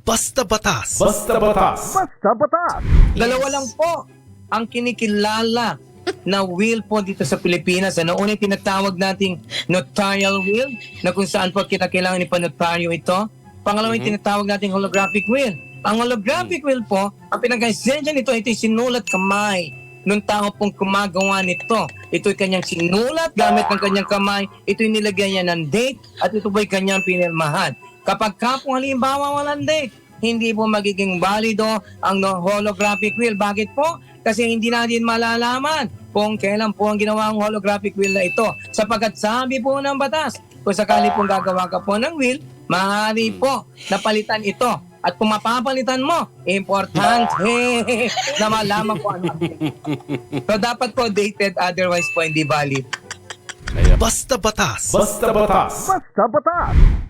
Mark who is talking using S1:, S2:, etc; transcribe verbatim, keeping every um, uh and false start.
S1: Basta Batas.
S2: Basta Batas.
S3: Basta Batas.
S4: Dalawa lang po ang kinikilala na will po dito sa Pilipinas. Ano una yung tinatawag nating notarial will na kung saan po kinakailangan ipanotaryo ito. Pangalawa yung tinatawag nating holographic will. Ang holographic will po, ang pinag-esensya nito, ito yung sinulat kamay nung tao pong kumagawa nito. Ito'y kanyang sinulat gamit ng kanyang kamay. Ito'y nilagyan niya ng date at ito po'y kanyang pinirmahan. Kapag ka po halimbawa walang date, hindi po magiging valido ang no- holographic will. Bakit po? Kasi hindi natin malalaman kung kailan po ang ginawa ang holographic will na ito. Sapagkat sabi po ng batas, kung sakali pong gagawa ka po ng will, maaari po napalitan ito. At kung mapapalitan mo, importante na malaman ko ano. So dapat po dated, otherwise po hindi valid.
S1: Basta Batas.
S2: Basta Batas.
S3: Basta Batas.